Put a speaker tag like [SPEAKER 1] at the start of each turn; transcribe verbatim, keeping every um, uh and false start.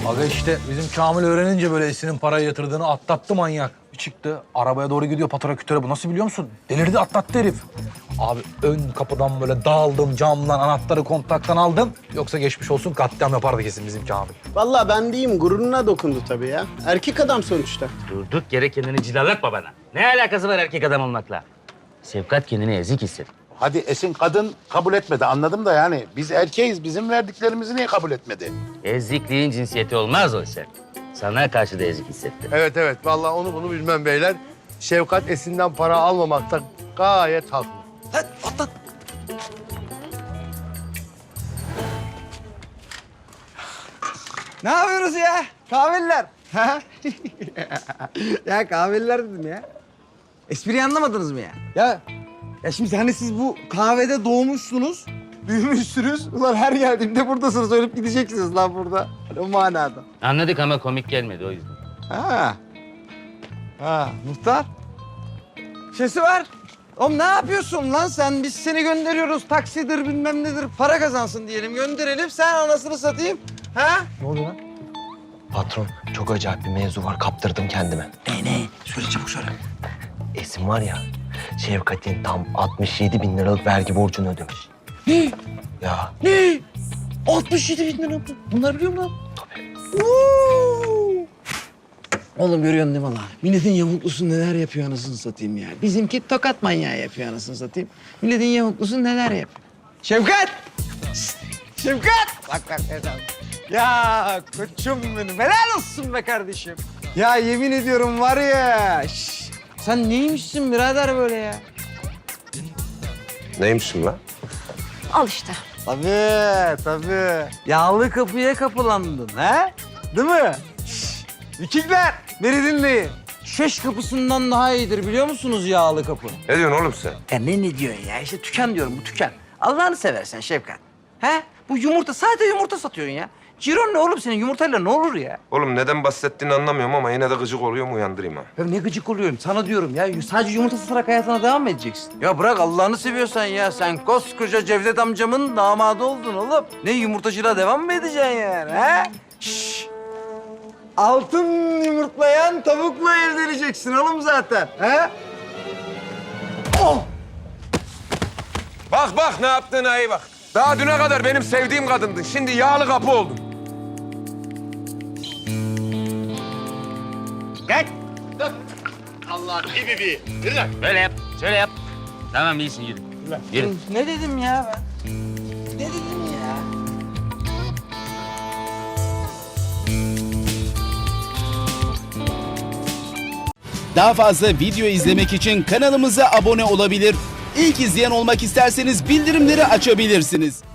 [SPEAKER 1] Aga işte bizim Kamil öğrenince böyle Esin'in parayı yatırdığını atlattı manyak. Bir çıktı arabaya doğru gidiyor patrakütüre. Bu nasıl biliyor musun? Delirdi, atlattı herif. Abi ön kapıdan böyle dağıldım, camdan anahtarı kontaktan aldım. Yoksa geçmiş olsun katliam yapardı kesin bizim Kamil.
[SPEAKER 2] Vallahi ben diyeyim gururuna dokundu tabii ya. Erkek adam sonuçta.
[SPEAKER 3] Durduk yere kendini cilalatma bana. Ne alakası var erkek adam olmakla? Şefkat kendini ezik hissetti.
[SPEAKER 4] Hadi Esin kadın kabul etmedi anladım da yani biz erkeğiz bizim verdiklerimizi niye kabul etmedi?
[SPEAKER 3] Ezikliğin cinsiyeti olmaz o sen. Sana karşı da ezik hissetti.
[SPEAKER 5] Evet evet vallahi onu bunu bilmem beyler. Şefkat Esin'den para almamakta gayet haklı.
[SPEAKER 1] Lan atlat.
[SPEAKER 6] Ne yapıyoruz ya? Kahveliler. Ha? Ya kahveliler dedim ya. Espriyi anlamadınız mı ya? Ya ya şimdi hani siz bu kahvede doğmuşsunuz, büyümüşsünüz. Ulan her geldiğimde buradasınız, ölüp gideceksiniz lan burada. O manada.
[SPEAKER 3] Anladık ama komik gelmedi o yüzden.
[SPEAKER 6] Ha. Ha, muhtar. Şesi var. Oğlum ne yapıyorsun lan sen? Biz seni gönderiyoruz. Taksidir bilmem nedir. Para kazansın diyelim. Gönderelim. Sen anasını satayım. Ha?
[SPEAKER 1] Ne oldu lan?
[SPEAKER 7] Patron, çok acayip bir mevzu var. Kaptırdım kendime.
[SPEAKER 6] Ne ne? Söyle çabuk söyle.
[SPEAKER 7] Esin var ya, Şevkat'in tam altmış yedi bin liralık vergi borcunu ödemiş.
[SPEAKER 6] Ne?
[SPEAKER 7] Ya.
[SPEAKER 6] Ne? altmış yedi bin lira. Bunlar biliyor musun lan?
[SPEAKER 7] Tabii.
[SPEAKER 6] Oğlum görüyorsun değil mi lan? Milletin yamuklusu neler yapıyor anasını satayım ya. Bizimki tokat manyağı yapıyor anasını satayım. Milletin yamuklusu neler yapıyor. Şefkat! Şşt! Şefkat! Bak bak Erdal. Ya koçum benim. Helal olsun be kardeşim. Ya yemin ediyorum var ya. Şş, sen neymişsin birader böyle ya?
[SPEAKER 5] Neymişim lan?
[SPEAKER 8] Al işte.
[SPEAKER 6] Tabii tabii. Yağlı kapıya kapılandın ha? Değil mi? Şşş! Vikingler beni dinleyin. Şeş kapısından daha iyidir biliyor musunuz yağlı kapı?
[SPEAKER 5] Ne diyorsun oğlum sen?
[SPEAKER 6] Ya ne ne diyorsun ya? İşte tüken diyorum bu tüken. Allah'ını seversen Şefkat. He? Bu yumurta sadece yumurta satıyorsun ya. Ciron ne oğlum senin yumurtayla ne olur ya?
[SPEAKER 9] Oğlum neden bahsettiğini anlamıyorum ama yine de gıcık oluyorum uyandırayım ha.
[SPEAKER 6] Ya ne gıcık oluyorum sana diyorum ya. Sadece yumurta satarak hayatına devam mı edeceksin? Ya bırak Allah'ını seviyorsan ya. Sen koskoca Cevdet amcamın damadı oldun oğlum. Ne yumurtacılığa devam mı edeceksin yani he? Şşş. Altın yumurtlayan tavukla evleneceksin oğlum zaten. He? Oh!
[SPEAKER 9] Bak bak ne yaptığına iyi bak. Daha düne kadar benim sevdiğim kadındın. Şimdi yağlı kapı oldun.
[SPEAKER 3] Gel.
[SPEAKER 5] Allah gibi bir. Yürü lan.
[SPEAKER 3] Böyle yap, şöyle yap. Tamam iyisin yürü. Yürü.
[SPEAKER 6] Ne dedim ya ben? Ne dedim ya?
[SPEAKER 10] Daha fazla video izlemek için kanalımıza abone olabilir. İlk izleyen olmak isterseniz bildirimleri açabilirsiniz.